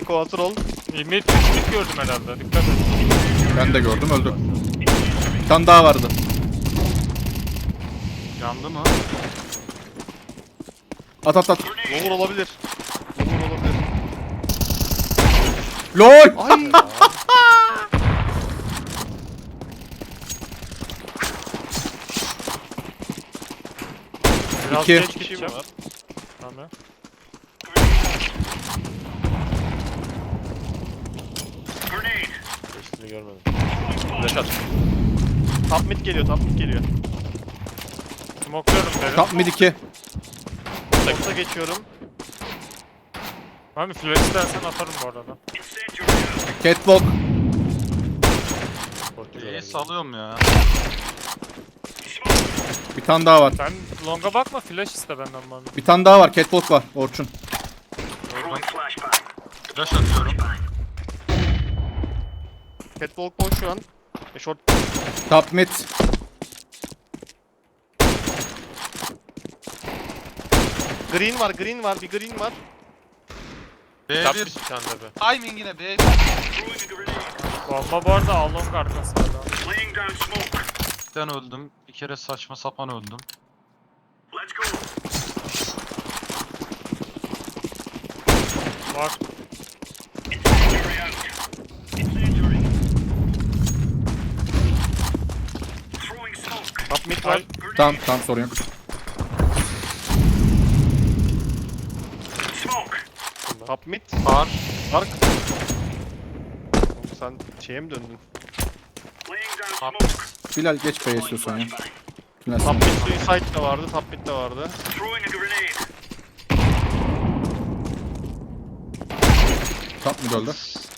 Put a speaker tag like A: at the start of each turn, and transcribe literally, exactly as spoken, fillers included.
A: kontrol.
B: Mid üçlük gördüm herhalde. Dikkat et.
C: Ben de gördüm, öldü. Bir tane daha vardı.
D: Yandı mı?
C: At at at.
A: Lower olabilir. Lower olabilir.
C: LOL!
A: Ay.
B: Biraz
C: İki.
B: geç
A: İki
B: gideceğim.
A: var.
B: Tamam.
E: Geçtiğini görmedim.
A: Flash at. Top mid geliyor, top mid geliyor.
B: Smokluyorum derim.
C: Top mid iki.
A: Short'a geçiyorum.
B: Abi flash istersen atarım bu arada.
C: Catwalk.
D: İyi salıyorum ya.
C: Bir tane daha var.
B: Sen longa bakma, flash iste benden bana.
C: Bir tane daha var. Catwalk var. Orçun.
D: Flash atıyorum.
A: Catwalk boş şu an. E short
C: Top mid.
A: green var, green var, bir green var.
D: B
E: Tap
D: bir.
E: bir tane de be.
D: Timing yine B bir.
B: Bomba bu arada A long arkasında da.
D: Ben öldüm. Bir kere saçma sapan öldüm.
B: Var.
A: Top mid var.
C: Tamam tamam, sorun yok.
A: Top mid.
D: Var.
A: Ark. Oğlum sen şeye mi döndün?
D: Top.
C: Bilal geç B'ye istiyorsan ya. Tünel
A: Top
C: sana.
A: mid suicide de vardı, top mid de vardı.
C: Top mid öldü.